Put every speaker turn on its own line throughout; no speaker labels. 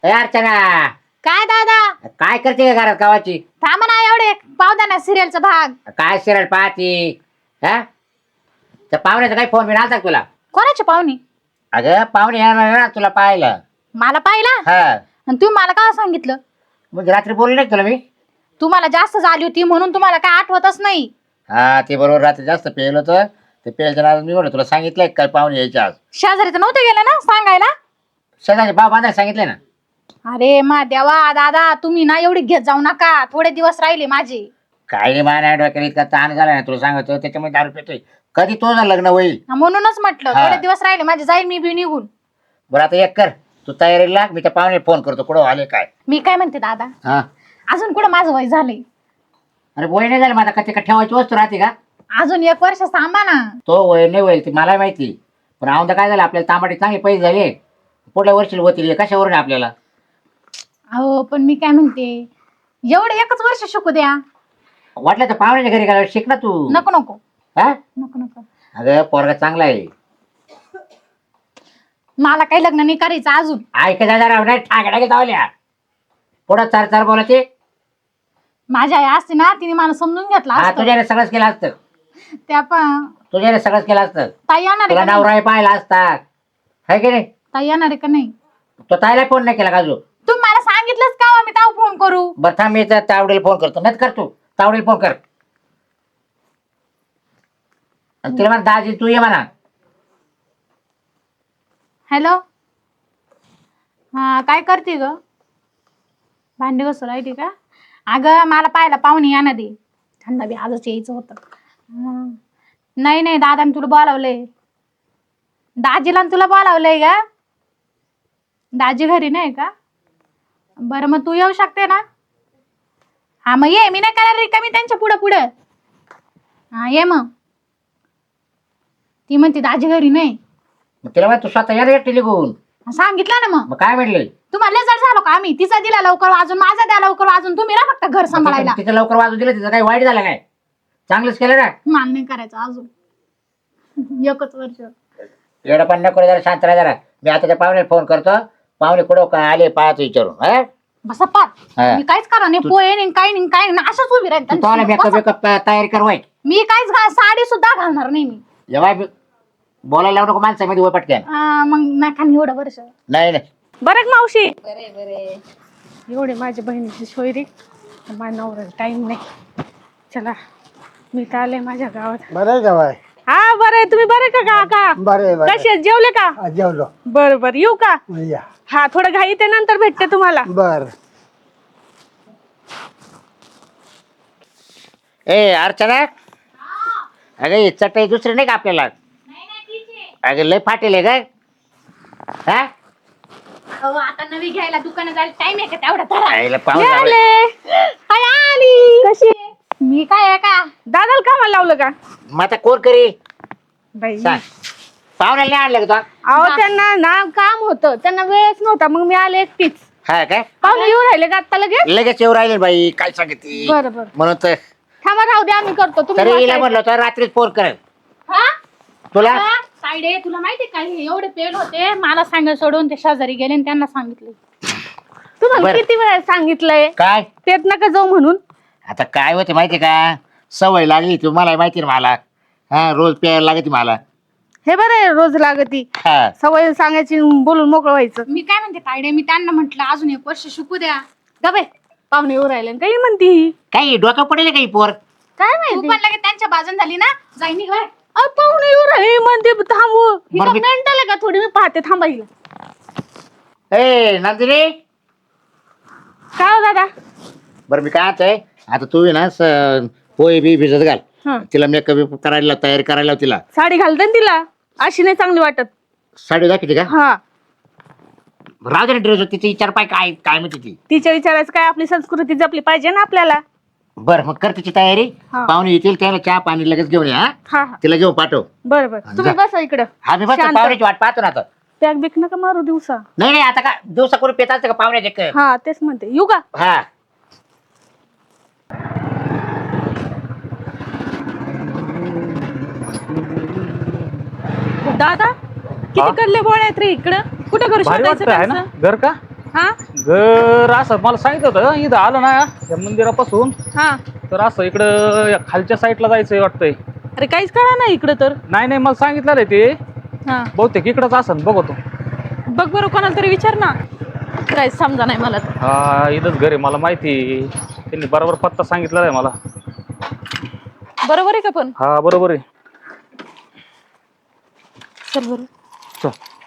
ए अर्चना,
काय दादा?
काय करते का घरात गावाची?
थांबा ना, एवढे पाहू द्या ना सिरियलचा भाग.
काय सिरियल पाहती? हा, त्या पाहुण्याचा काही फोन बिन आलता का तुला?
कोणाची पाहुणी?
अगं पाहुणे येणार ना तुला पाहायला.
मला पाहिला?
हा,
आणि तुम्ही मला काय सांगितलं?
म्हणजे रात्री बोलले नाही का तुला मी?
तुम्हाला जास्त झाली होती म्हणून तुम्हाला काय आठवतच नाही.
हा, ते बरोबर रात्री जास्त पेल होतं. ते पेलच्या नादात मी म्हणलं तुला सांगितलंय काय पाहुणे यायचे आज.
शेजारी तर नव्हते गेले ना सांगायला?
शेजारचे भाव बांधायला सांगितले ना.
अरे मा देवा दादा, तुम्ही ना एवढी घेत जाऊ नका, थोडे दिवस राहिले माझे.
काय नाही मान डोक्याला इतका ताण झाला ना तुला सांगतो, त्याच्यामुळे दारू पितोय. कधी तो ना लग्न होईल.
म्हणूनच म्हटलं
हा.
थोडे दिवस राहिले माझे, जाईल मी बी निघून.
बरं आता एक कर, तू तयारी लाग, मी त्या पाहुणे फोन करतो कुठं आले काय.
मी काय म्हणते दादा,
हा,
अजून कुठं माझं वय झालंय?
अरे वय नाही झालं माझा, का ठेवायची वस्तू राहते का?
अजून 1 वर्ष थांबा ना.
तो वय नाही होईल ती मला माहिती. पण औंदा काय झालं, आपल्याला तांबाटी चांगले पैसे झाले, पुढल्या वर्षी होतील कशावरून आपल्याला.
अहो पण मी काय म्हणते, एवढे 1च वर्ष शिकू द्या.
वाटलं तर पाहुण्याच्या घरी गेल्यावर शिक ना तू.
नको नको
हा,
नको नको,
अगं पोरगा चांगला आहे.
मला काही लग्न नाही करायचं अजून.
ऐकायचा जरा नाही ठाकड्या घेत आवल्या पुढं चार चार बोलायचे.
माझी आई असते ना, तिने मला समजून घेतला
हा,
असतं.
तुझ्याने सगळंच केलं असतं.
त्या पण
तुझ्याने सगळंच केलं असतं.
ताई येणार
तुला
आहे का नाही?
नवराही पाहिला असता, है की नाही?
ताई येणार आहे का नाही?
तो ताईला फोन नाही केला का अजून?
तुम्ही मला सांगितलंच का हो, मी तेव्हा फोन करू?
बरं थांब, मी तर तावडीला फोन करतो. नाही कर तू तावडीला फोन कर आणि तिला म्हणा दाजी तू ये म्हणा.
हॅलो, हा काय करते ग? भांडी घासून राहिली का? अगं मला पाहायला पाहुणे येणार दे, त्यांना बी आजच यायचं होतं. नाही नाही, दादाने तुला बोलावलंय. दाजीला तुला बोलावलंय का? दाजी घरी नाही का? बरं मग तू येऊ शकते ना? हा मग ये, मी नाही करायला रिकामी त्यांच्या पुढं पुढं. हा ये मग. ती म्हणते दाजी घरी नाही.
मग तिला म्हणा तू स्वतः या रे एकटी निघून.
सांगितलं ना मग.
मग काय म्हटले?
तुम्हाला लय जड झालो का आम्ही? तिचा दिला लवकर वाजून, माझा द्या लवकर वाजून, तुम्ही ना फक्त घर सांभाळायला.
तिचं लवकर वाजू दिलं, तिचं काही वाईट झालं काय? चांगलंच केलं ना.
मान नाही करायचं अजून. 1च वर्ष.
एवढं पण नको रे, जरा शांत राहा जरा. मी आता त्या पाहुण्याला फोन करतो. पाहुणे कुठं काय आले पाहतो विचारून. हा,
बसा पाच.
हा.
मी काहीच करा नाही, पोहे नाही, काही नाही, काही नाही, अशाच उभी राहील.
तू मेकअप वेकअप तयारी कर वाईट.
मी काहीच साडी सुद्धा घालणार नाही मी.
जेव्हा बोलायला लावू नको माणसामध्ये वय पटक्यान.
मग नका एवढं वर्ष.
नाही नाही,
बरं का मावशी?
बरे बरे.
एवढे माझ्या बहिणीची सोयरी, माझ्या नवऱ्याला टाइम नाही. चला मी तर आले माझ्या गावात.
बरं आहे का बाय?
हा बरं आहे, तुम्ही बरं का काका?
बरं आहे, बरं
कसे आहेत, जेवले का?
आहे. जेवलो.
बरं बरं, येऊ का?
या.
हा थोडं घाई ते नंतर भेटते तुम्हाला.
बर.
ए अर्चना, अगं ही चटई दुसरी नाही का आपल्याला? अगं लय फाटेल आहे काय? हा,
आता नवी घ्यायला दुकानात जायला टाइम आहे का तेवढा? धरा.
आईला
ये
पाहून
आले. हाय आली. कशी आहे?
मी काय आहे का?
दादाला कामाला लावलं का?
मग आता कोण करी
बाई
सांग. पाहुण्याला नाही आणलं का तू?
अहो त्यांना ना काम होतं, त्यांना वेळच नव्हता, मग मी आले एकटीच.
हा काय?
पाहुणे येऊ राहिले का आता लगेच?
लगेच येऊ राहिले बाई, काय सांगितली
बरं बरं,
म्हणून तर.
थांबा राहू द्या, आम्ही करतो. तुम्ही
तरी हिला
वाचायचं.
म्हणलं तर रात्रीच फोन कर
हा?
तुला.
साईडे तुला माहिती काय, हे एवढे पेल होते, मला सांगायला सोडून ते शेजारी गेले आणि त्यांना सांगितले.
तुम्हाला
बरं.
किती वेळा सांगितलंय
काय
तेच नका जाऊ म्हणून?
आता काय होते माहिती का, सवय लागली तुम्हाला माहिती ना मला. हा, रोज प्यायला लागते मला.
हे बरं आहे, रोज लागती
हा,
सवय सांगायची, बोलून मोकळं व्हायचं.
मी काय म्हणते तायडे, मी त्यांना म्हटलं अजून 1 वर्ष शिकू द्या.
गबे पाहुणे येऊ राहिले, काही म्हणती ही?
काही डोकं पडेल काही पोर.
काय
तू
माहिती?
पण लगेच त्यांच्या बाजून झाली ना, जाई निघ बाहेर.
अहो, पाहुणे येऊ राहिले म्हणते, थांबू. ही
बरं,
का
मी-
मेंटल आहे का थोडी? मी पाहते, थांबा हिला.
ए नंदिनी,
काय हो दादा?
बरं मी काय आहे आता तू आहे ना पोहे बी भिजत घाल.
हा,
तिला मेकअप करायला तयारी करायला लाव तिला.
साडी घालते ना तिला, अशी नाही चांगली वाटत.
साडी दाखवते का?
हा,
राहू दे ड्रेस तिची विचार पाय काय काय म्हणते ती.
तिच्या विचारायचं काय, आपली संस्कृती जपली पाहिजे ना आपल्याला.
बरं मग कर तिची तयारी.
हा.
पाहुणे येतील त्याला चहा पाणी लगेच घेऊन या.
हा हा,
तिला घेऊन पाठव.
बरं बरं, तुम्ही
जा.
बसा इकडं.
हा मी बस
शांत.
पाहुण्याची वाट पाहतो ना आता.
पॅक बिक नका मारू दिवसा.
नाही नाही, आता का दिवसा करून पेत असते का पाहुण्याचे?
हा तेच म्हणते, येऊ का?
हा,
दादा किती कडले बोळ आहेत रे इकडं, कुठं घर
भारी
शोधायचं
वाटतं आहे ना
त्यांचं?
घर का?
हा
घर असं मला सांगितलं होतं इथं आलं ना या मंदिरापासून
हा.
तर असं इकडं या खालच्या साईडला जायचंय वाटतंय.
अरे काहीच कळा नाही इकडं तर.
नाही मला सांगितलं रे ते
हा
बहुतेक इकडंच असं बघतो.
बघ बरं कोणाला तरी विचार ना. काय समजा नाही मला तर.
हा इथंच घर आहे मला माहिती त्यांनी बरोबर पत्ता सांगितलेला आहे मला.
बरोबर आहे का पण?
हा बरोबर आहे.
चल बरं.
चल.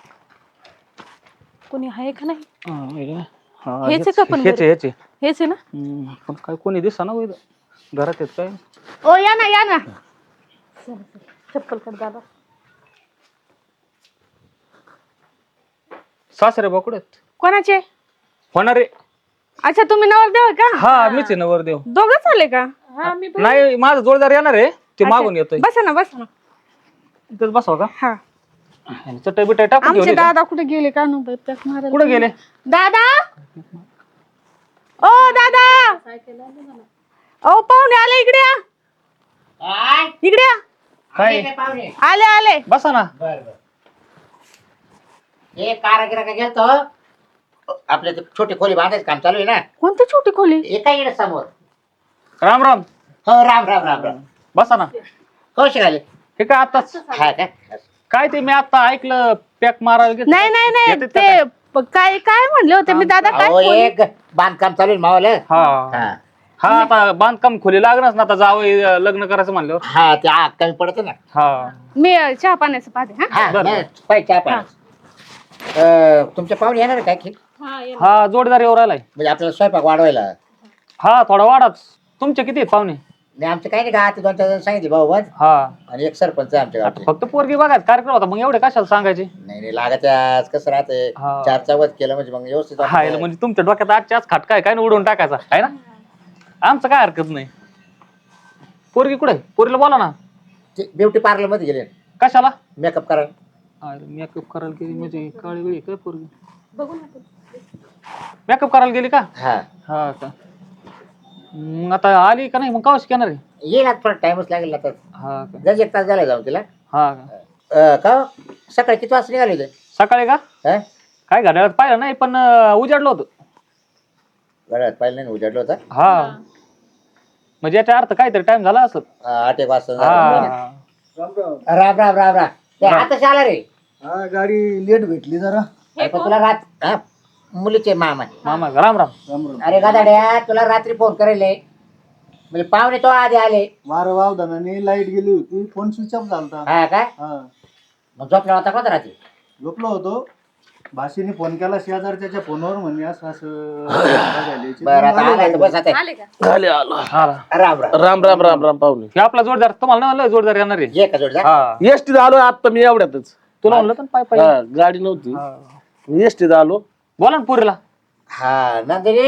कोणी आहे का नाही?
हा,
हेच आहे का पण
हेच
घर?
आहे, हेच आहे.
हेच आहे ना?
पण काय कोणी दिसा ना हो इथं. घरात येत काय
ओ या ना या ना. चप्पल कर दादा.
सासरे बाकुडे
कोणाचे?
होणार आहे.
अच्छा तुम्ही नवरदेव आहे का?
हा मीच आहे नवरदेव.
दोघंच आले का? हा मी
नाही माझा जोडदार येणार आहे ते मागून येतोय.
बसा ना बसा ना.
इथंच बसवा का
हा.
चटई बिटाई टाकून
आमचे
घेऊन
दादा कुठे गेले का नु
कुठे गेले?
दादा ओ दादा ओ पाहुणे आले इकडे या.
काय?
इकडे या.
काय?
पाहुणे
आले आले.
बसा ना.
बर बर. हे कारागिराकडे गेलतो आपल्या ते छोटी खोली बांधायचं काम चालू आहे ना.
कोणती छोटी खोली?
हे काय इकडे समोर.
राम राम.
हो राम राम राम राम.
बसा ना.
कौशिक आले.
हे काय आताच
हा का?
काय ते मी आता ऐकलं पॅक मारायला घेतलं.
नाही नाही नाही
येतात का
ते काय काय म्हणले होते मी दादा काय
अहो
खोली?
एक बांधकाम चालू आहे मावाला.
हा
हा
हा आता बांधकाम खोली लागणारच ना आता जावं लग्न करायचं म्हणल्यावर.
हा ते आग कमी पडत ना.
हा
मी चहा पाण्याचं पाहते हा.
हा
बरं.
नाही, पाहिजे चहा पाणी. तुमच्या पाहुणे येणार आहे काय की?
हा जोडदार येऊ राहिलाय.
म्हणजे आपल्याला स्वयंपाक वाढवायला.
हा थोडा वाढाच. तुमचे किती आहेत पाहुणे?
नाही आमचे काही नाही का आता 2-4 जण सांगितले भाऊ बस
हा
आणि एक सरपंच आहे आमच्या
आता
गावचे.
फक्त पोरगी बघायचा कार्यक्रम होता मग एवढे कशाला सांगायचे?
नाही लागत आज कसं राहते
हा.
4 चवत केलं म्हणजे मग व्यवस्थित
हा
वाटतं.
म्हणजे तुमच्या डोक्यात आजच्या आज खटका आहे काय ना उडवून टाकायचा आहे ना. आमचं काय हरकत नाही. पोरगी कुठे? पोरीला बोला ना.
ते ब्युटी पार्लर मध्ये गेले
कशाला?
मेकअप करायला.
मेकअप करायला गेली म्हणजे काळी वेळी काय पोरगी
बघू ना.
मेकअप करायला गेली का?
हा
हा का मग आता आली का नाही मग कावशी येणार आहे?
येईल आता थोडा टाइमच लागेल आता.
हा का
जर 1 तास झाला जाऊन तिला.
हा का
का हो? सकाळी किती वाजता निघाले होते?
सकाळी का
हा
काय घड्याळात पाहिलं नाही पण उजाडलं होतं.
गळ्यात पाहिलं नाही उजाडलं होतं.
हा म्हणजे याचा अर्थ काहीतरी टाइम झाला असत.
8-1 वाजता झालं.
हा
राम राम राम राम. ते आताच आला रे.
हा गाडी लेट भेटली जरा.
अरे पण तुला हा मुलीचे मामा.
मामा राम राम.
राम राम.
अरे गादाड्या तुला रात्री फोन करायले म्हणजे पाहुणे तो आधी आले.
वारं वावदानाने लाईट गेली होती, फोन स्विच ऑफ झालता.
हा काय
हा
मग झोपला होता का रात्री?
झोपलो होतो. भाषेने फोन केला शेजारच्या फोनवर म्हणे असं असं झाल्याची.
बरं आता आलाय तर बस आता.
आले का?
हा
राम राम.
राम राम राम राम पाहुणे.
हे आपला जोडदार तुम्हाला नाही म्हणलं जोडदार येणार आहे.
ये का जोडजा.
हा
एसटीत आलो आता मी एवढ्यातच.
तुला म्हणलं तर पाय पाय.
हा, गाडी नव्हती
हा.
मी एसटीत आलो.
बोला ना पुरीला.
हा नंदिनी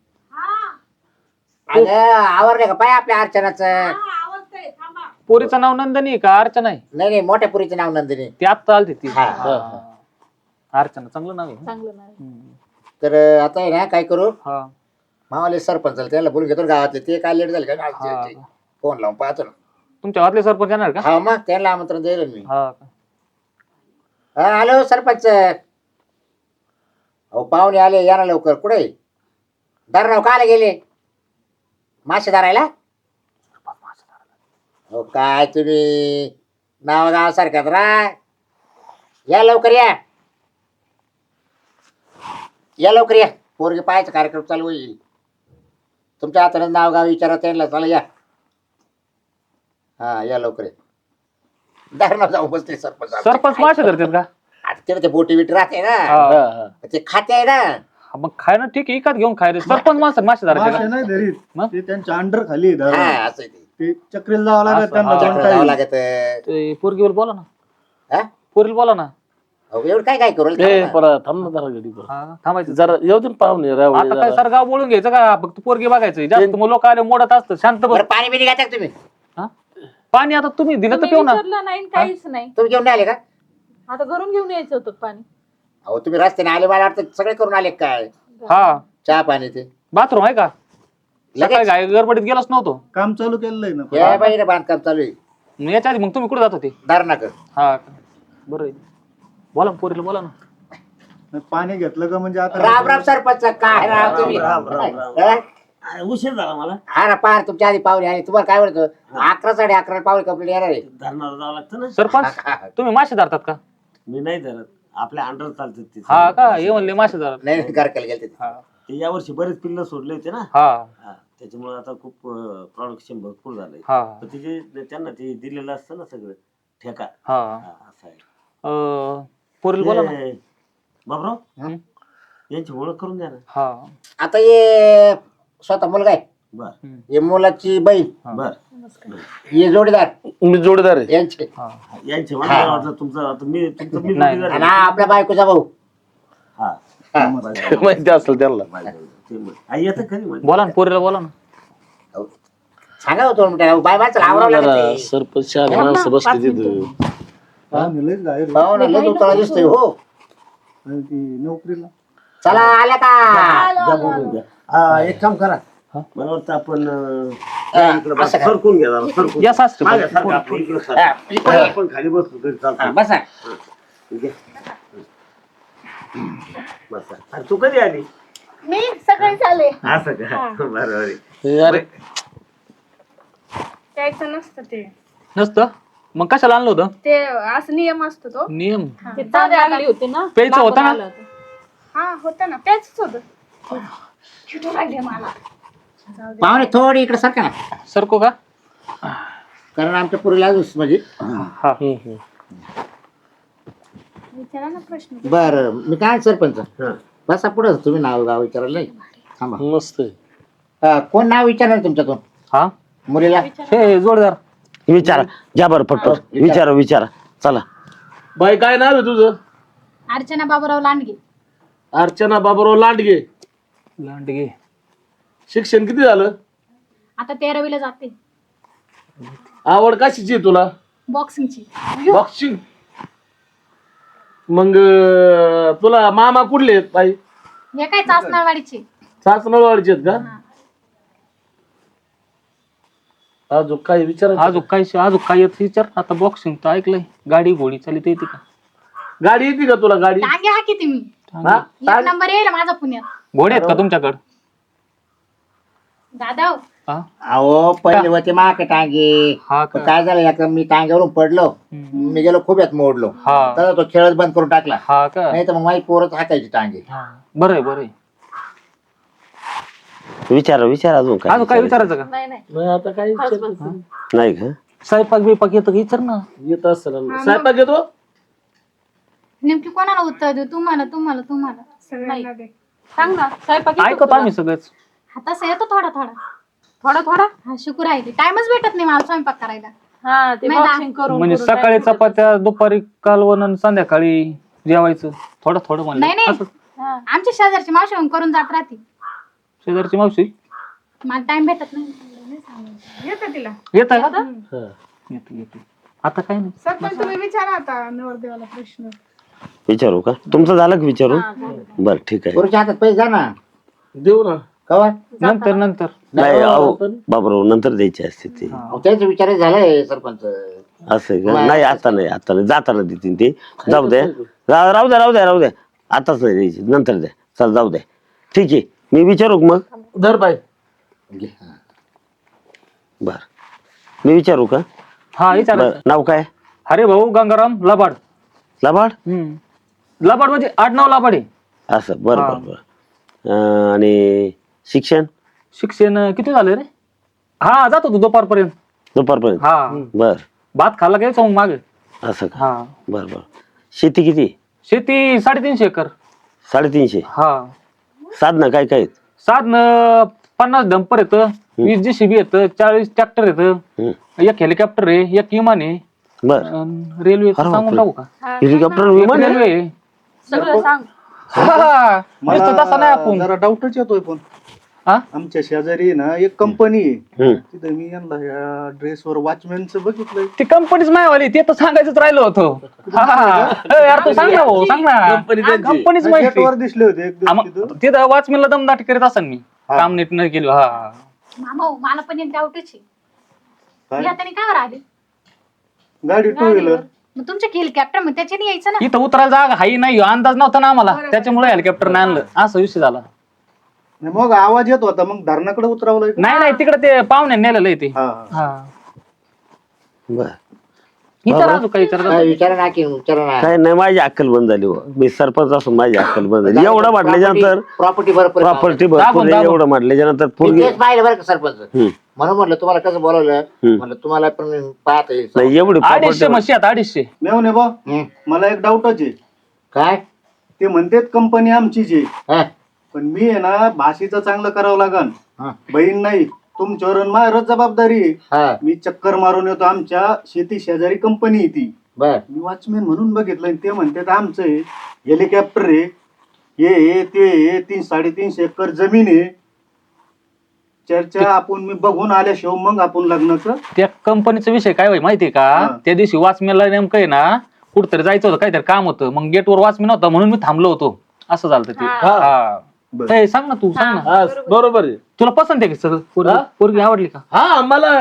अगं आवरले का पाय आपल्या अर्चनाचं?
पोरीचं नाव नंदनी आहे का अर्चना आहे?
नाही नाही मोठ्या पुरीचं नाव नंदिनी.
ती आत्ता आलती ती.
हा.
हा. अर्चना चांगलं नाव आहे.
चांगलं नाही.
हम्म.
तर आता आहे ना काय करू
हा
मामाले सरपंच त्याला बोलून घेतो ना गावातले. ते काय लेट झाले
हा.
का फोन लावून पाहतो ना.
तुमच्या गावातले सरपंच येणार का?
हा मग त्यांना आमंत्रण द्यायला मी.
हा का?
हा हॅलो सरपंच. अहो पाहुणे आले या ना लवकर. कुठे धरणाव काला गेले? मासे धरायला? हो काय तुम्ही नाव गाव सारख्यात रा. या लवकर या. या लवकर या. पोरगी पाहायचा कार्यक्रम चालू होईल. तुमच्या हाताने नाव गाव विचारा त्यांना. चला या. हा या लवकर या. धरणाव जाऊ बसले सरपंच.
सरपंच मासे धरतात का?
आता तिथे ते बोटी बिटी राहते ना.
हा.
हा, हा.
ते खाते आहे ना.
हा, मग खाय ना ठीक आहे इकत घेऊन खाय रे. सरपंच मासे मासे धरायचे
मासे
का?
नाही धरीत.
मग?
ते त्यांच्या अंडर खाली धरा.
हा असं आहे ते.
ते चक्रीला जावं लागत
असं,
त्यांना
हा.
दोन
चक्र जावं
टाईम.
लागत.
ते पोरगीवर बोला ना.
हा?
पोरीला बोला ना.
अहो, एवढं काय काय करू
ए परत थांब ना जरा गाडी परत.
हा थांबायचं.
जरा येऊ दे ना पाहुणे रावळे
आता काय
जरा.
सर गाव बोलून घ्यायचं का फक्त पोरगी बघायचं? जास्त मग लोक आले मोडत असतं शांत बस.
बरं पाणी बिणी घ्यायचं का तुम्ही?
हा? पाणी आता तुम्ही दिलं तर
तुम्ही
पिऊ ना.
विचारलं नाही काहीच नाही.
तुम्ही घेऊन नाही आले का?
आता घरून घेऊन यायचं होतं पाणी.
अहो तुम्ही रस्त्याने आले मला वाटतं सगळे करून आले काय?
हा
चहा पाणी ते
बाथरूम आहे का? सकाळी
लगेच
घाई गडबडीत गेलोच नव्हतो.
काम चालू केलेलं आहे ना.
या बाई बांधकाम चालू आहे.
मग याच्या आधी मग तुम्ही कुठे जात होते?
धरणाकर.
हा का? बरं आहे. बोला ना पोरीला बोला ना.
पाणी घेतलं का म्हणजे आता
राम राम सरपंच, काय राम तुम्ही हा?
उशीर झाला मला
हा ना, पार तुमच्या आधी पाहुणे आले. तुम्हाला काय म्हणतो 11 साडे 11 पाहुणे कंप्लीट येणार आहे.
धरणाला जावं लागतं ना.
सरपंच तुम्ही मासे धरतात का?
मी नाही धरत, आपल्या अंडर चालतात ते.
हा का, हे म्हणले मासे धरत.
नाही गारकेला गेलते ते.
हा
ते यावर्षी बरेच पिल्ल सोडले होते ना.
हा
हा, त्याच्यामुळे आता खूप प्रोडक्शन भरपूर झालंय.
हा
पण तिचे त्यांना ते दिलेलं असतं ना सगळं ठेका.
हा.
हा, असं आहे.
पोरील बोला ना.
ते, बाबराव
हं?
यांची ओळख करून द्या ना.
हा
आता ये स्वतः मुलगा आहे,
बर
ये मुलाची बहीण,
बर.
ये जोडीदार
मी जोडीदार आहे.
यांचे,
हा
यांचे मला वाटलं तुमचं आता मी तुमचं मी
नाही.
जोडीदार
आणि
आहे.
हा आपल्या बायकोचा भाऊ.
हा
हा.
माहिती असेल त्यांना. आई येतं खरी म्हणजे.
बोला ना, पोरीला बोला ना.
सांगा होतो बाय बायचं आवरावं लागत.
सरपंच माणसं बसली तिथं.
पाहुणे लयच बाहेर
पाहू ना, लय उतळा दिसतोय हो.
आणि ती नोकरीला
चला आल्या का?
जा बोलून घ्या. एक काम करा, मला वाटतं आपण इकडं बस,
असं करा.
सरकून घ्या जरा, सरकून.
या सासरे
मागे सरका, आपण इकडं सरका.
हा, इकडे ये.
आपण खाली बसलो तरी
हा,
चालतं.
बसा.
बसा. आणि तू कधी आली?
मी सकाळी चाले
असं का? बरोबर आहे. हे अरे
त्याचं नसतं ते
नसतं मग कशाला आणलं होतं?
ते असं नियम असतो तो.
नियम
चांगली होती ना.
प्यायचं होतं ना.
हा होता ना, त्याच होत. चिटू राहिले मला.
पाहुणे थोडी इकडे सरका ना,
सरको का?
कारण आमच्या पुरीला म्हणजे.
हा
विचारा ना प्रश्न.
बर, मी काय सरपंच,
हा.
बसा पुढं. तुम्ही नाव गाव विचारायला नाही. थांबा.
मस्त आहे.
कोण नाव विचारणार तुमच्यातून
हा
मुलीला?
हे जोडदार.
विचारा, ज्या बरं पटपट विचारा विचारा. चला.
बाई काय नाव आहे तुझं?
अर्चना बाबूराव लांडगे.
अर्चना बाबूराव लांडगे.
लांडगे.
शिक्षण किती झालं?
आता 13वीला जाते.
आवड कशाची आहे तुला?
बॉक्सिंगची.
बॉक्सिंग. मग तुला मामा कुठले आहेत बाई?
हे काय चासनावाडीची.
सासनवाडीचे आहेत का? अजून काही विचारा.
अजून काय येत विचार. आता बॉक्सिंग तर ऐकलंय. गाडी घोडी चालित येते का?
गाडी येते का तुला गाडी?
टांगे हा किती मी.
हा?
एक नंबर येईल माझा पुण्यात.
घोडे आहेत का तुमच्याकडे?
दादा हो.
हा
अहो पहिले होते माक टांगे.
हा का?
काय झालं, या मी टांग्यावरून पडलो, मी गेलो खूप मोडलो.
हा
तर तो खेळच बंद करून टाकला.
हा का?
नाही तर मग माझी पोरच हातायची टांगे.
बरं आहे बरं आहे.
विचारा विचारा अजून
अजून काय विचारायचं का?
नाही आता काही
नाही का?
स्वयंपाक बिपाक येतं का विचार ना.
येत असेल. स्वयंपाक येतो?
नेमकी कोणाला उत्तर देऊ? तुम्हाला तुम्हाला तुम्हाला.
सगळ्यांना दे.
सांग ना. स्वयंपाक
ऐकतो आम्ही सगळंच.
हा तसं येतो थोडा थोडा. थोडा थोडा. हा शुक्र आहे. टाइमच भेटत नाही मला स्वयंपाक करायला.
हा ते
नाही ना.
बॉक्सिंग करून
म्हणजे सकाळी चपात्या, दुपारी कालवण आणि संध्याकाळी जेवायचं थोडं थोडं म्हणलं.
नाही नाही.
असं.
आमच्या शेजारची मावशी येऊन करून जात राहते.
शेजारची मावशी
मला टाइम भेटत नाही.
येतं तिला.
येत आहे का? येतो येतो. आता काय नाही.
सरपंच तुम्ही विचारा आता नवरदेवाला प्रश्न.
विचारू का? तुमचं झालं का विचारू? बर ठीक आहे.
पोरीच्या हातात पैसे जा ना.
देऊ ना.
कवा?
नंतर नंतर.
नाही अहो बाबराव नंतर द्यायची असते ते.
त्याच विचार झालाय सरपंच.
असं आहे का? नाही आता नाही, आता नाही. जाताना देतील ते. जाऊ द्या. राहू द्या राहू द्या राहू द्या. आताच नाही द्यायची, नंतर द्या. चल जाऊ द्या. ठीक आहे, मी विचारू का मग?
धर बाई.
बर मी विचारू का?
हा विचारायचं.
बर नाव काय?
अरे भाऊ गंगाराम लबाड.
लबाड.
लबाड म्हणजे 8-9 लबाड आहे.
असं बरं बरं बरं. आणि शिक्षण?
शिक्षण किती झालं रे? हा जातो तू दुपारपर्यंत.
दुपारपर्यंत.
हा
बर
भात खाल्ला घ्यायचं मग मागे.
असं का?
हा
बर बर. शेती किती?
शेती 350 एकर.
350.
हा
साधनं काय काय आहेत?
साधन 50 डंपर येतं, 20 JCB येतं, 40 ट्रॅक्टर येतं,
हम्म.
एक हेलिकॉप्टर आहे, एक विमान आहे,
बर.
रेल्वे
अरे
सांगून
बापरे.
टाकू का?
हेलिकॉप्टर विमान आहे?
रेल्वे आहे.
सगळं सांग.
हा, नुसतं तसं नाही आपण.
जरा डाऊटच येतोय. पण
हा?
आमच्या शेजारी ना एक कंपनी आहे,
हम्म.
तिथे मी यांना या ड्रेसवर वॉचमॅनचं बघितलंय.
ती कंपनीच मायवाली, ते तर सांगायचंच राहिलो होतो. यार तू सांग ना भाऊ, सांग ना. कंपनीच माहिती.
गेटवर दिसले होते एक दिवस तिथं.
तिथं वॉचमॅनला दमदाटी करीत असेल मी. काम नीट नाही केलं. हा
मामा हो, मला पण एक डाऊटच आहे.
काय?
या त्याने काय आले?
गाडी टू व्हीलर.
मग तुमच्या हेलिकॉप्टर मग त्याच्याने यायचं ना.
इथं उतरायला जागा हाही नाही अंदाज नव्हता ना आम्हाला, त्याच्यामुळे हेलिकॉप्टर नाही आणलं, असा विषय झाला.
नाही, मग आवाज येत होता मग धरणाकडे उतरवलं का?
नाही तिकडे ते पाहुणे नेलेलं आहे ते.
हा.
हा
बर
विचारा अजून काही विचारा.
विचारा ना की विचारा ना.
काय नाही, माझी अक्कल बंद झाली बुवा. मी सरपंच असून माझी अक्कल बंद झाली. एवढं म्हटल्याच्यानंतर
प्रॉपर्टी बरोबर
प्रॉपर्टी भरपूर आहे, एवढं म्हटल्याच्यानंतर पोरगी
तेच पाहिलं बरं का सरपंच.
हम्म.
म्हणून म्हटलं तुम्हाला कसं बोलवलं, म्हणलं तुम्हाला पण पाहता येईल.
नाही एवढी
250
property-
म्हशी आहेत, 250.
मेवणे बा
हम्म.
मला एक डाऊटच आहे.
काय
ते म्हणतात कंपनी आमचीच आहे,
हा?
पण मी आहे ना भाषेचं चांगलं करावं लागन.
हा.
बहीण नाही, तुमच्यावर माझ्यावरच जबाबदारी आहे.
हा,
मी चक्कर मारून येतो, आमच्या शेती शेजारी कंपनी आहे ती.
बर
मी वॉचमॅन म्हणून बघितलं, ते म्हणतात आमचं आहे, हेलिकॉप्टर आहे, हे ते 3-3.5 एकर जमीन आहे. चर्चा आपण मी बघून आल्याशिवाय मग आपण लग्नाचं.
त्या कंपनीचा विषय काय होय माहितीये का,
हा.
त्या दिवशी वॉचमॅनला नेमकं आहे ना कुठतरी जायचं होतं, काहीतरी काम होतं, मग गेटवर वॉचमॅन होता म्हणून मी थांबलो होतो, असं झालं ते. हा.
बरं.
ए, सांग ना तू, सांग ना.
हा, बरोबर आहे.
तुला पसंत आहे का सगळं? पोरगी आवडली का?
हा मला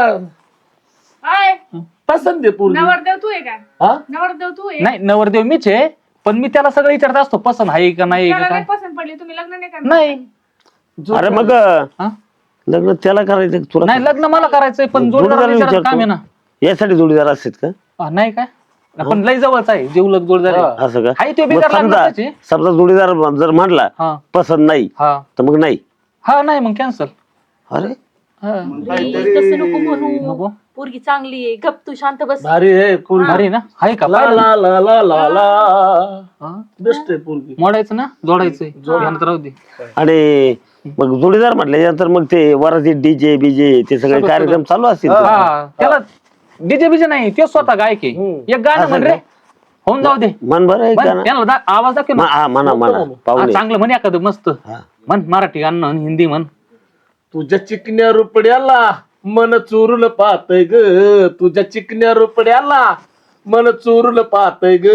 अय,
पसंत आहे पोरगी.
नवरदेव तू आहे का?
हा?
नवरदेव तू आहे?
नाही नवरदेव मीच आहे, पण मी त्याला सगळं विचारत असतो पसंत आहे का नाही
त्याला
का
नाही
काय.
पसंत पडली, तुम्ही लग्न नाही करणार?
नाही
अरे मग
हा?
लग्न त्याला करायचं तुला
नाही लग्न मला करायचंय, पण
जोडीदार
जोडीदार विचारायचं काम आहे ना.
यासाठी जोडीदार असतात का?
नाही काय, पण लय जवळच आहे, जीवलग जोडीदार आहे.
असं का?
हाय ते
मग
बेकार
समजा
लागणार
समजा जोडीदार जर म्हणला
हा
पसंत नाही
हा
तर मग नाही.
हा नाही मग कॅन्सल.
अरे
मग
तसं
काहीतरी
नको म्हणू,
नको
पोरगी चांगली आहे, गप तू शांत बस.
भारी आहे पोरगी.
अरे ना आहे का
ला
पाहिलं?
ला ला ला ला ला
हा?
बेस्ट आहे पोरगी.
मोडायचं ना, जोडायचंय ध्यानात राहू दे.
आणि मग जोडीदार म्हटल्यानंतर मग ते वराती डीजे बीजे ते सगळे कार्यक्रम चालू असतील.
हा त्याला डीजे बीजे नाही, ते स्वतः गायक आहे. एक गाणं म्हण रे, होऊन जाऊ दे.
मन बरं आहे का ना?
त्याला आवाज दाखव ना.
हा म्हणा म्हणा
हा,
पाहुणे.
चांगलं म्हण एखादं मस्त
हा.
म्हण, मराठी गाणं म्हण, हिंदी म्हण.
तुझ्या चिकन्या रुपड्याला मन चोरून पाहतय ग, तुझ्या चिकन्या रुपड्याला मन चोरून पाहतय ग,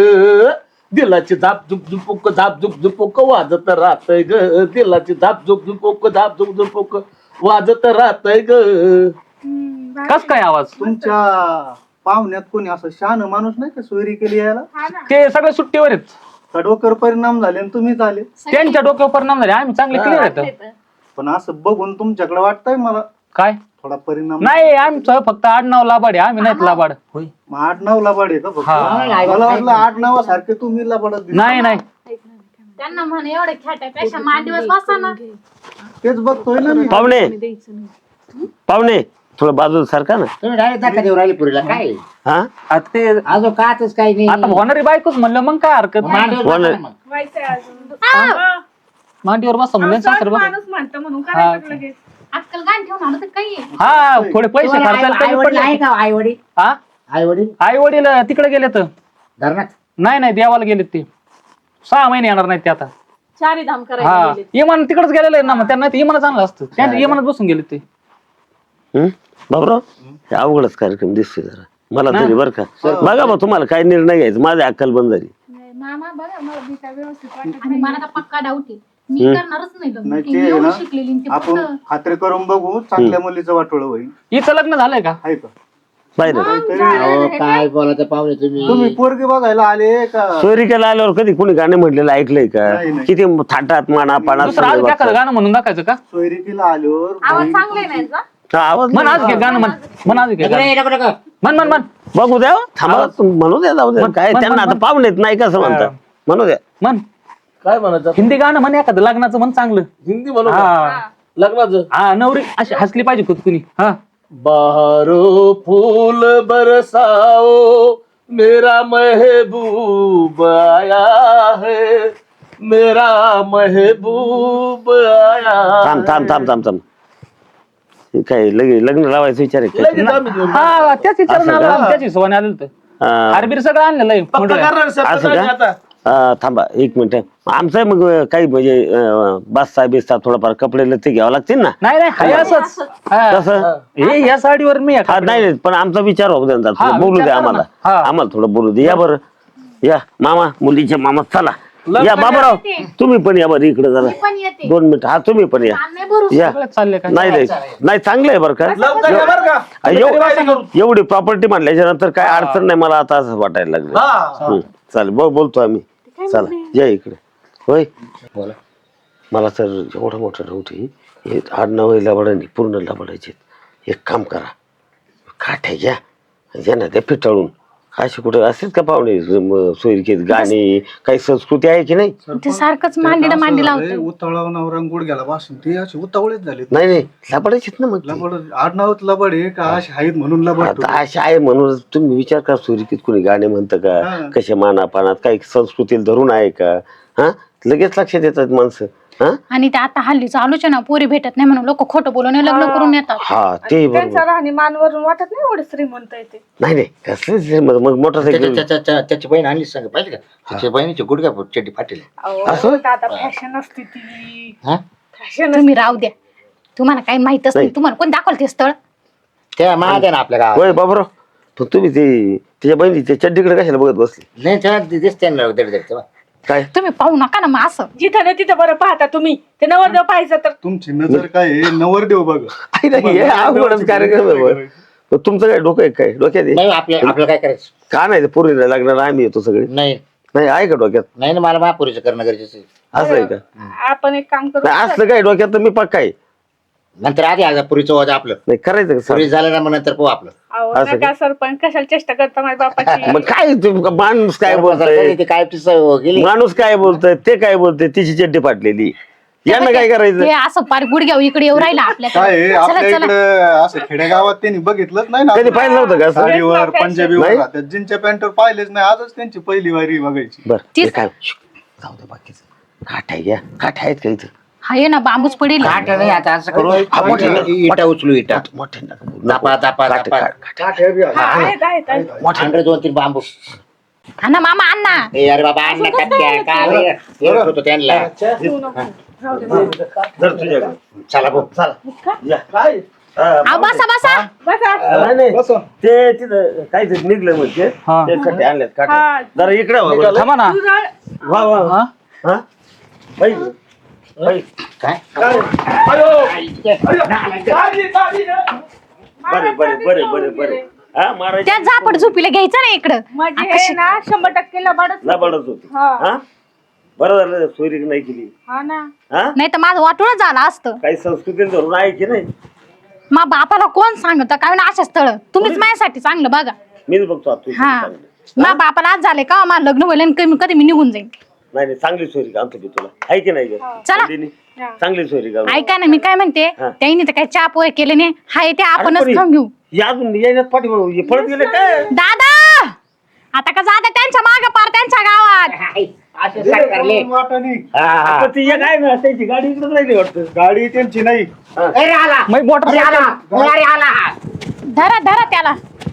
दिलाची झाप झुक झुपुक झाप झुक झुपुक वाजत राहतय ग, दिलाची झाप झुक झुपुक झाप झुक झुपुक वाजत राहतय ग.
कस काय आवाज?
तुमच्या पाहुण्यात कोणी असं शान माणूस नाही का सोयरी केली यायला?
ते सगळे सुट्टीवर आहेत,
कडवकर परिणाम झाले आणि तुम्हीच आले.
त्यांच्या डोक्यावर परिणाम झाले, आम्ही चांगले क्लिअर आहेत.
पण असं बघून तुमच्याकडे वाटतंय मला
काय
थोडा परिणाम.
नाही, आमचं फक्त आडनाव लाबाड आहे, आम्ही नाहीत लाबाड. होय
मग 8-9 लबाड आहे का फक्त?
हा.
मला वाटलं 8-9 सारखे तुम्ही लबाडच दिसता.
नाही नाही
त्यांना म्हणे एवढे खेटापेक्षा मांडीवर बसा ना.
तेच बघतोय ना मी.
पाहुणे पाहुणे थोडं बाजूला सारखा ना.
तुम्ही डायरेक्ट दाखा देऊ राहिले पुरीला काय
हा
आता ते
अजून काच काही नाही.
आता होणारी बायकोच म्हणलं मग काय हरकत नाही.
मांडीवर बसा ना मग.
व्हायचंय अजून.
मांडीवर बसा म्हणलं
आमचा
सासरे बसा.
माणूस म्हणतो म्हणून करायचं लगेच.
आजकाल गाण ठेवून आलं तर काही आहे.
हा थोडे पैसे
तुम्हाला
खर्चायला
आई
कमी
वडील आहे
पडले.
का? आई वडील,
हा
आई वडील
आई वडील तिकडे गेले तर
धरणात.
नाही देवाला गेलेत ते, 6 महिने येणार नाहीत ते आता.
चारी धाम करायला
हा
गेले.
इमान तिकडेच गेलेलं आहे ना, मग त्यांना इमानच आणलं असतं, त्यांच्या इमानात बसून गेले ते.
हम्म? बाबराव हे अवघडच कार्यक्रम दिसतोय जरा मला तरी बरं का. बघा मग तुम्हाला काय निर्णय घ्यायचा, माझी अक्कल बंद झाली.
मामा बघा मला मी काय व्यवस्थित वाटत
आणि मला तर पक्का डाऊट आहे, मी करणारच नाही लग्न.
नाही
ती
ते
एवढी
ना,
शिकलेली आणि ती
आपण
कुठं-
खात्री करून बघू, चांगल्या मुलीचं वाटोळ होईल.
हिचं लग्न झालंय का?
आहे का?
पाहिलं
अहो, काय बोलायचं पाहुणे
तुम्ही
तुम्ही.
पोरगी बघायला आले का?
सोयरिकेला आल्यावर कधी कोणी गाणे म्हटलेलं ऐकलंय का?
नाही, नाही.
किती थाटात माना पाना
दुसरं आज एखादं गाणं म्हणून दाखवायचं का?
सोयरिकीला आल्यावर
आवाज
बहीण
चांगला नाही यांचा?
आवाज
म्हण आज घे गाणं, म्हण म्हण आज घे
नको
गाणं.
रे, नको नको.
म्हण म्हण म्हण
बघू द्या हो. थांबा म्हणू द्या जाऊ द्या
म्हण,
काय
म्हण,
त्यांना
म्हण,
आता पाहुणेत नाही कसं म्हणतात म्हणू द्या.
म्हण
काय म्हणायचं
हिंदी गाणं म्हण एखादं लग्नाचं म्हण चांगलं.
हिंदी म्हणू का?
हा
लग्नाचं
हा नवरी अशी हसली पाहिजे खुदकुनी. हा
बहारो फूल बरसाओ मेरा महबूब आया है, मेरा महबूब आया
थांब थांब थांब थांब थांब हे काय लग्न लावायचं विचार आहे का?
लगेच आम्ही घेऊन
हा त्याच विचारून
असं
आलं
का?
आम्ही, त्याच हिशोबाने आलेलं तर
हा.
हारबीर सगळं आणलेलं आहे
पक्का
मंडळात.
करणार साहेब,
असं
पक्का
का?
आता
थांबा 1 मिनिट. आमचं मग काही म्हणजे बस्ता बिस्ता थोडाफार कपडे लत्ते घ्यावं लागतील ना.
नाही नाही हाय असंच. हा.
कसं
हे या साडीवर मी
हा नाही नाही, पण आमचा विचार होऊ द्या,
हा,
बोलू
विचार
द्या
करा ना.
आम्हाला.
हा.
आम्हाला थोडं बोलू दे. या बरं या मामा मुलीचे मामा चला या बाबाराव तुम्ही पण या बरं इकडे जरा
पण येते
2 मिनिट. हा तुम्ही पण या
नाही भरू
या
चालले काय
नाही नाही नाही चांगलं आहे बरं का
लवकर या बरं का?
एवढी प्रॉपर्टी म्हटल्याच्या नंतर काय अडचण नाही मला आता असं वाटायला लागलं
हा.
चालेल बोलतो आम्ही चला या इकडे होय
बोला.
मला तर एवढं मोठं नव्हती हे 8-9 लबाडांनी पूर्ण लबाडायचे. एक काम करा काठ्या घ्या घ्या ना ते पिटाळून असे कुठे असतेच का पाहुणे सोयीकेत गाणी काही संस्कृती आहे की नाही
ते सारखंच मांडीला मांडी लावतं
उतावळा नवरा गुडघ्याला बसून ते असे उतावळेच झाले.
नाही नाही लबाडायचेत ना मग ते.
लबड आडनावत लबड आहे का असे आहेत म्हणून लबड
आता असे आहे म्हणून तुम्ही विचार करा सोयीकेत कोणी गाणे म्हणतं का
हा.
कशा मानापानात काही संस्कृतीला धरून आहे का हा लगेच लक्षात येतात माणसं हा
आणि ते आता हल्लीच आलोचना पोरी भेटत नाही म्हणून लोक खोटं बोलून लग्न करून येतात
हा ते बरोबर
त्यांचा राहणीमानवरून वाटत नाही एवढे श्रीमंत आहे ते.
नाही नाही कसलं मग मोटरसायकल
त्याची बहीण आणली सांग पाहिजे का त्याच्या बहिणीची गुडघ्या चड्डी फाटेल.
असं?
दादा फॅशन असते ती
हा
फॅशन
तुम्ही राहू द्या तुम्हाला काही माहितच नाही तुम्हाला कोण दाखवलं ते स्थळ
त्या महाद्या ना आपल्या गावात
होय बाबराव पण तुम्ही ते त्याच्या बहिणी त्या चड्डीकडे कशाला बघत बसले
नाही तेव्हा दिसते ना दड
काय
तुम्ही पाहू नका ना मग असं
जिथं नाही तिथं बरं पाहता तुम्ही ते नवरदेव पाहायचं तर
तुमची नजर काय आहे नवरदेव बघ.
आई नाही हे अवघडच कार्यक्रम आहे बरं. पण तुमचं काय डोकं आहे काय डोक्यात आहे?
नाही आपलं काय करायचं
का नाही पूर्ण लागणार आम्ही येतो सगळे
नाही
नाही आहे का डोक्यात
नाही ना मला महापुरीचं करणं गरजेचं आहे.
असं आहे का
आपण एक काम करू
नाही असलं काय डोक्यात तर मी पक्का आहे
नंतर आधी आज पुरीचं वाजा आपलं
नाही करायचं का
पुरी
सर?
झालं ना मग नंतर पाहू आपलं
अहो,
असं
नका सरपंच कशाला चेष्टा करता माझ्या बापाची
मग काय माणूस काय बोलतोय
ते काय गेली
माणूस काय बोलतोय ते काय बोलतोय तिची चड्डी फाटलेली यांना काय करायचं
हे असं पार गुडघ्यावर इकडे येऊ राहिला
काय आहे,
आपल्याकडे
आपल्या
चला चला
इकडे असं खेडेगावात त्यांनी बघितलंच नाही
कधी
ना.
पाहिलं नव्हतं का असं?
साडीवर पंजाबीवर
नाही?
राहतात जीनच्या पॅन्टवर पाहिलेच नाही आजच त्यांची पहिली वारी बघायची.
बरं ते काय जाऊ दे बाकीचं काठ आहे घ्या काठ आहेत का इथं
हाय ना बांबूच पडेल
काट नाही आता असं करू इटा उचलू इटा
मोठे नका बोलू.
दापा दापा
काठ,
दापा
काठ, काठ.
आहेत.
मोठे 2-3 बांबू
ना मामा अण्णा
ए अरे बाबा अन्न काय काय होतो त्यांना
जर तुझ्याकडे
चला भाऊ
चला या. काय
आ, बसा बसा
नाही, नाही. ते तिथं काहीतरी निघलं म्हणजे ते खड्डे आणलेत काटे जरा इकडे व्हा बरं.
थांबा ना
वा वा वा. हा बाई, बाई.
काय
बरे बरे बरे बरे बरे हा मारायची
त्या झापड झोपीला घ्यायचं ना इकडं
म्हणजे हे ना 100% लबाडच
लबाडच होती
हा.
हा बरं झालं सोयरी नाही केली
हा ना
हा
नाही तर माझं वाटूनच झालं असतं
काही संस्कृती धरून आहे की नाही
मा बापाला कोण सांगत काय ना अशा स्थळ तुम्हीच माझ्यासाठी चांगलं बघा
मीच बघतो आता तुझी
हा
चांगली.
मा बापाला आज झाले का मला लग्न होईल आणि कधी मी निघून जाईन
नाही नाही चांगली सोयरी आणतो मी तुला आहे की नाही ग?
चला.
अंजनी, चांगली सोयरी का
ऐका ना मी काय म्हणते
हा.
त्यांनी तर काही चहा पोहे केले नाही हाय ते आपणच खाऊन घेऊ
अजून यायच्यात पाठी पळत गेले काय
दादा आता का जाता त्यांच्या माग पार त्यांच्या गावात
असे सरकारले
वाटाणे.
आता ती एक आहे ना त्याची गाडी इकडे राहिली वाटतं
गाडी त्यांची नाही.
अरे आला
मग मोटर
अरे आला अरे आला
धरा धरा त्याला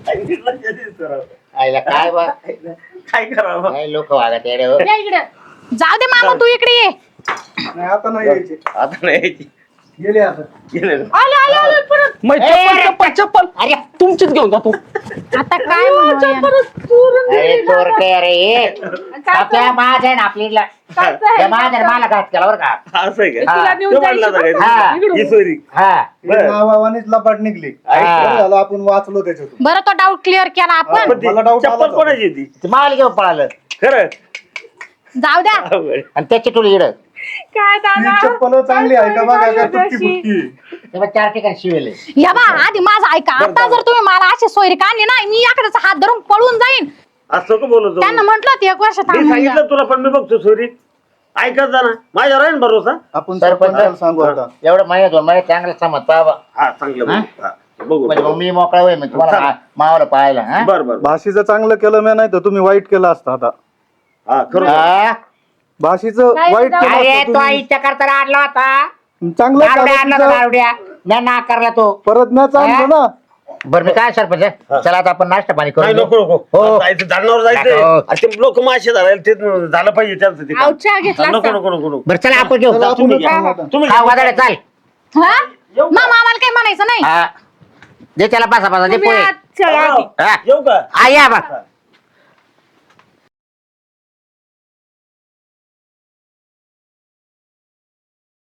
आईला काय बा
काय करावं
काय लोक वागत येडे हो.
या इकडे जाऊ दे मामा तू इकडे ये
नाही आता नाही यायचे
आता नाही यायची.
गेले आता.
गेले ना.
आले परत
मग चप्पल
अरे
तुमचीच घेऊन जातो
आता काय म्हणावं याला?
अरे चोर काय अरे आपल्या माझ आहे ना आपल्याला त्या माझ आहे मला घात केला बरं का
असं आहे का
हा.
तो म्हणला होता काय?
हा.
ही सोयरी
हा
हे नावावानीच लपाट निघली. बरं झालं आपण वाचलो त्याच्यातून.
बरं तो डाऊट क्लिअर केला आपण
पण ती
मला doubt आला
चप्पल
होता.
कोणाची होती
ते माल घेऊन पळालं
खरं
जाऊ द्या
अवघड.
आणि त्याची टोळी इड
काय
ही
दादा
चप्पल चांगली आहे का बघा का तुटकी फुटकी.
तेव्हा 4 ठिकाणी शिवेले
या बा आधी माझं ऐका आता जर तुम्ही मला अशी सोयरी काढली ना मी याकडेच हात धरून पळून जाईन
असं का बोलत
त्यांना म्हंटल होतं 1 वर्ष
मी
थांबून घ्या.
सांगितलं तुला पण मी बघतो सोयरी ऐकत जा ना माझ्यावर आहे ना भरोसा
आपण
सरपंच
सरपंचाला सांगू आता.
एवढं महिन्यात 2 महिन्यात चांगलं समज पाहा
हा चांगलं बघू. हा, बघू
म्हणजे मग मी मोकळा होईल मग तुम्हाला मावाला पाहायला हा?
बर बर
भाषेचं चांगलं केलं मी नाही तर तुम्ही वाईट केलं असतं आता.
हा खरं
हा?
भाषेचं वाईट केलं
अरे
असतं
तो
तुम्ही.
आईच्या करता आणला होता
चांगलं
दारुड्या
केलं
आणला
तिचं.
होता, दारुड्या मी नाकारला तो
परत नाही चांगलं ना.
बरं मी काय सरपंच चला आता आपण नाश्ता पाणी
नाही
करू
नको नको
हो.
जायचं धारणावर जायचं
नको.
अरे ते लोक मासे धरायला ते झालं पाहिजे त्यांचं ते काम.
अहो, चहा घेतला
नको
असता.
नको नको नको
बरं चला आपण घेऊ
चला, आपण
तुम्ही
खाऊ
घ्या.
आता.
तुम्ही
हा
घ्या.
वादळे चाल
हा मामा आम्हाला काही म्हणायचं नाही
हा. दे त्याला पासा पासा दे
तुम्ही
पोहे
आज चला आधी.
हा.
येऊ का
हा, या बा